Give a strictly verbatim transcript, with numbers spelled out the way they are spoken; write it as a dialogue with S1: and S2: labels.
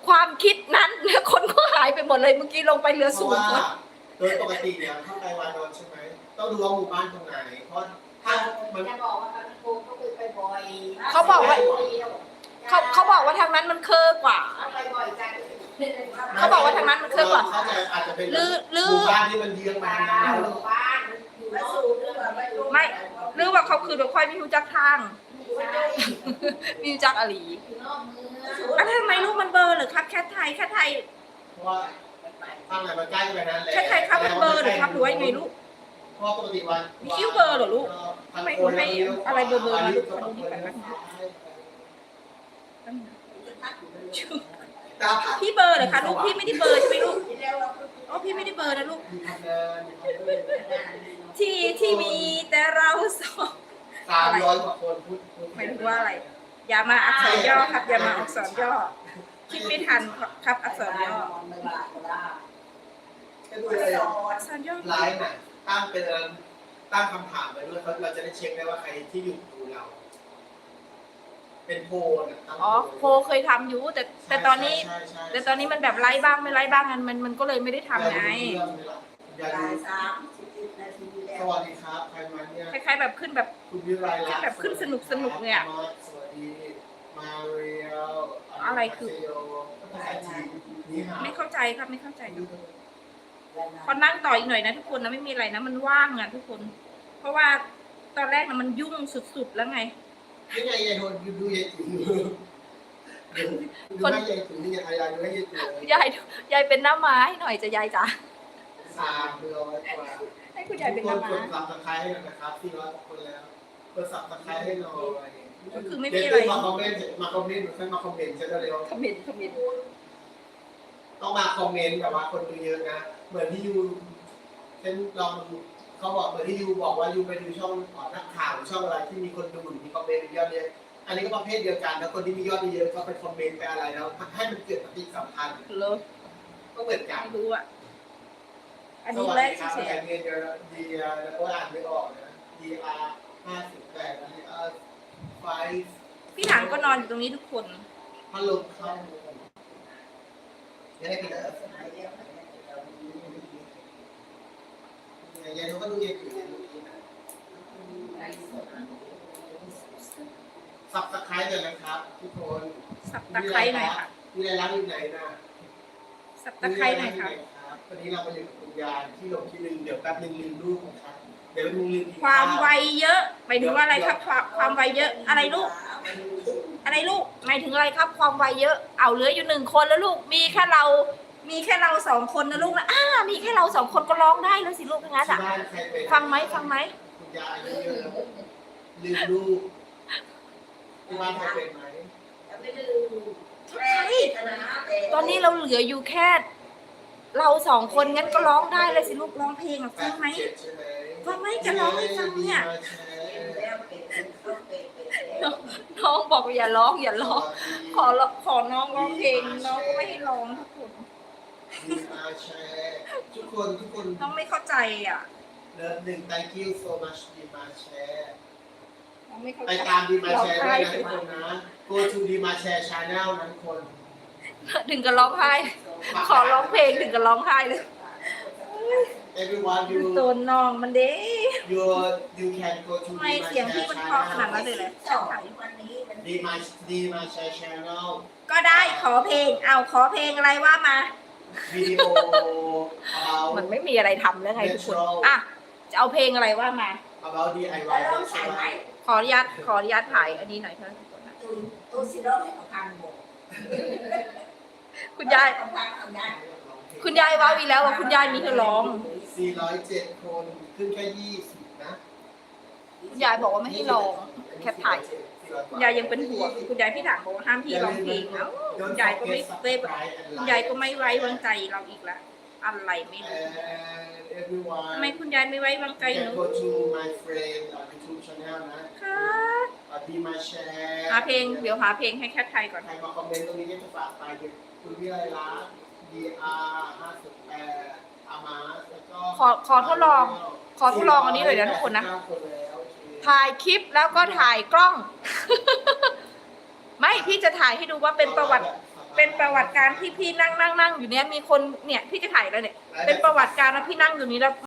S1: ความคิดนั้นคนก็หายไปหมดเลยเมื่อกี้ลงไปเหลือ
S2: เพ
S1: ศู
S2: ราะ
S1: นย์
S2: ว่า
S1: คน
S2: โดยปกติเนี่ยถ้าไปวานอนใช่ไหมต้องดูว่าหมู่บ้านตรงไหนเพราะถ้ามัน
S3: จะบอกว่าโกเขาไปบ่อย
S1: เขาบอกว่า เขาเขาบอกว่าทางนั้นมันเคอะกว่า
S3: เขาไปบ่อยจัง
S1: เขาบอกว่าทางนั้นมันเคอะกว่า
S2: เขาจะอาจจะเป็น
S1: หรือหรือ
S2: หมู่บ้านที่มันเยื้องมาทางนั้น
S3: บ้านอยู่มาสูเรื่องไม่รู้
S1: ไม่หรือว่าเขาคือแบบค่อยมีรู้จักทาง มีรู้จักอะไร
S3: อยู่นอกเมือง
S1: แล้วทำไมลูกมันเบลอร์หรือครับแค่ไทยแค่ไทย
S2: เพราะว่าทางไหนมันใกล้ไปนั้นแหละ
S1: แค่ไทยครับมันเบลอร์หรือครับหรือว่ายังไงลูก
S2: เพราะปกติวัน
S1: มีคิ้วเบลอร์เหรอลูกทำไมหนูให้อะไรเบลอๆมาลูกขอดูนี่ก่อนนะ
S2: ตา
S1: พี่เบลอร์เหรอคะลูกพี่ไม่ได้เบลอร์ใช่ไหมลูกอ๋อพี่ไม่ได้เบลอร์นะลูก ที่ที่มีแต่เราสอง
S2: สามร้อยกว่าคนพูด
S1: หมายถึงว่าอะไร อย่ามาอักษรย่อครับ อย่ามาอักษรย่อ คิดไม่ทันครับอักษรย่อ
S2: ก็ดูเลย
S1: อักษรย่อ
S2: ไลฟ์น่ะตั้งเป็นตั้งคำถามไปด้วยเขาเราจะได้เช็คได้ว่าใครที่อยู่ดูเรา เป็นโพลน่ะตั้ง
S1: อ๋อโคเคยทำอยู่แต่แต่ตอนนี้
S2: ใช่ใช่ใช่
S1: แต่ตอนนี้มันแบบไล่บ้างไม่ไล่บ้างมันมันมันก็เลยไม่ได้ทำไง
S2: อย่า
S3: บ่า
S2: ดู
S3: ยสามสิบนาทีแล้
S2: ส
S3: ว
S2: วัสดีครับใครมาเนี่ย
S1: คล้ายๆแบบขึ้นแบบ
S2: คุณวิไลลักษณ์
S1: แบบขึ้นสนุกสนุกเนี่ย
S2: สวัสดีมาเรียล
S1: อะไรคือ
S2: ภาษาจีนนี่ฮะ
S1: ไม่เข้าใจครับไม่เข้าใจพอนั่งต่ออีกหน่อยนะทุกคนนะไม่มีอะไรนะมันว่างอ่ะทุกคน เพราะว่าตอนแรกนะมันยุ่งสุดๆแล้วไง
S2: นี่ไงยายโทนดูยายติ๋วดูให้ยายติ๋วนี่ยายดูให้ยายติ๋วย
S1: ายยายเป็นหน้าไม้หน่อยจะยายจ๋า
S2: สามร้อยกว่า
S1: ให้คุณยายเป็นห
S2: ทุ
S1: น้าก
S2: คน
S1: ไม้
S2: กดซับสไครต์ให้หน่อยนะครับสี่ร้อยกว่าคนแล้วกดซับสไครต์ให้หน่อย
S1: ก็คือไม่
S2: เดี๋
S1: มี
S2: ยว
S1: อะไร
S2: มาคอมเมนต์มาคอมเมนต์เพื่อนมาคอมเมนต์จะได้เร็ว
S1: คอมเมนต์คอมเมนต์
S2: ต้องมาคอมเมนต์แบบว่าคนดูเยอะนะ เหมือนที่ยูเช่นลองดูเขาบอกเหมือนที่ยูบอกว่ายูไปดูช่องนักข่าวช่องอะไรที่มีคนดูมีคอมเมนต์ยอดเยอะอันนี้ก็ประเภทเดียวกันแล้วคนที่มียอดเยอะก็ไปคอมเมนต์ไปอะไรแล้วให้มันเกิดปฏิสัมพันธ์
S1: เลิก
S2: ก็เหมือนกัน
S1: ไม่รู้อ่ะอัน
S2: ส
S1: นี้
S2: วัส
S1: แร
S2: ดี
S1: ก
S2: ครับ
S1: เฉย
S2: แอนเนียดีแล้วก็อ่านไม่ออกนะ D R ห้าสิบแปด D R ไฟ
S1: ๆพี่ถังก็นอนอยู่ตรงนี้ทุกคน
S2: พัดลมเข้ายังไงพี่เอ๋ยายเขาก็ดูเย็นอยู่สับตะไคร้เลยนะครับทุกคน
S1: สับตะไคร้หน่อยค่ะ
S2: มีอะไรร้านอยู่ไหนนะ
S1: สับตะไคร้หน่อยค่ะ
S2: วันนี้เราไปอยู่กับคุณยายที่หลงที่ลืมเดี๋ยวแป๊บนึงลืมลูกนะครับเดี๋ยวลืมลืม
S1: ความไวเยอะหมายถึงว่าอะไรครับความความไวเยอะอะไรลูก อะไรลูกหมายถึงอะไรครับ ความไวเยอะเอาเหลืออยู่หนึ่งคนแล้วลูกมีแค่เรา มีแค่เราสองคนนะลูกนะอ้ามีแค่เราสองคนก็ร้องได้แล้วสิลูกงั้นอ่ะ
S2: ที่บ้านใครเป็น
S1: ฟังไหมฟังไหม
S2: คุณยายอายุเยอะลืมลูกที่บ้านใครเป็นไหม
S3: ไม่ลืม
S1: ใช่ตอนนี้เราเหลืออยู่แค่ เราสองคนงั้นก็ร้องได้เลยสิลูกร้องเพลงอ่ะฟังไหม
S2: แปดสิบเจ็ดใช่ไหม
S1: ฟังไหมจะร้องให้ฟังเนี่ย
S2: มาแชร์
S3: แล้วเป็นเขาเป็นเป็นแล้ว
S1: น้องบอกว่าอย่าร้องอย่าร้องขอขอน้องร้องเพลงน้องก็ไม่ให้ร้องทุกคน
S2: ดีมาแชร์ทุกคนทุกคน
S1: น้องไม่เข้าใจอ่ะ
S2: เลิฟหนึ่ง thank you so much ดีมาแชร์
S1: น้องไม่เข้าใจ
S2: ไปตามดีมาแชร์
S1: ร้อง
S2: ด้ว
S1: ไห้
S2: ยนะทุกคนนะ go to ดีมาแชร์ channel นะทุกคน
S1: ถึงกับร้องไห้ ขอร้องเพลงถึงกับร้องไห้เลย
S2: everyone you
S1: ตัวน้องมันเด้
S2: you you can go to
S1: ทำไมเสียงพี่มันเพราะขนาดนั้นเลยเลย
S3: สองวันนี้มัน
S2: ดีมาดีมาแชร์ channel
S1: ก็ได้ขอเพลง เอาขอเพลงอะไรว่ามา
S2: วิดีโอ about
S1: มันไม่มีอะไรทำแล้วไงทุกคนอ่ะจะเอาเพลงอะไรว่ามา
S2: about ดี ไอ วา
S3: แล้
S2: ยว
S3: ต้องใส่ไหม
S1: ขออนุญาตขออนุญาตถ่ายอันนี้หน่อยเถอะ
S3: ตุนตุนสิโร่ให้ของทางหมด
S1: คุณยาย
S3: ของทางทำได้
S1: คุณยายว่าวีแล้วว่าคุณยายมีเธอร้อง
S2: สี่ร้อยเจ็ดคนขึ้นแค่ยี่สิบนะ
S1: คุณยายบอกว่าไม่ให้ร้องแค่ถ่ายคุณยายยังเป็นห่วงคุณยายพี่ถังบอกว่าห้ามพี่ร้องเพลงเอ้าคุณยายก็ไม่เซฟคุณยายก็ไม่ไว้วางใจเราอีกแล้วอะไรไม่รู้
S2: And everyone
S1: ทำไมคุณยายไม่ไว้วางใจห
S2: can
S1: นู
S2: go to my friend on YouTube channel นะ
S1: ค่ะ
S2: ดีมาแชร์
S1: หาเพลงเดี๋ยวหาเพลงให้แคทไทยก่อน
S2: ใครมาคอมเมนต์ตรงนี้จะฝากไปคือคุณวิไลลักษณ์ ดี อาร์ ห้าสิบแปด อามาสแล้วก็
S1: ขอขอทดลอง ขอทดลองอันนี้หน่อยนะทุกคนนะ
S2: เก้าคนแล้วโอเค
S1: ถ่ายคลิปแล้วก็ถ่ายกล้อง ไม่พี่จะถ่ายให้ดูว่าเป็นประวัติเป็นประวัติการที่พี่นั่งนั่งนั่งอยู่เนี้ยมีคนเนี่ยพี่จะถ่ายแล้วเนี่ยเป็นประวัติการนะพี่นั่งอยู่นี้แล้ว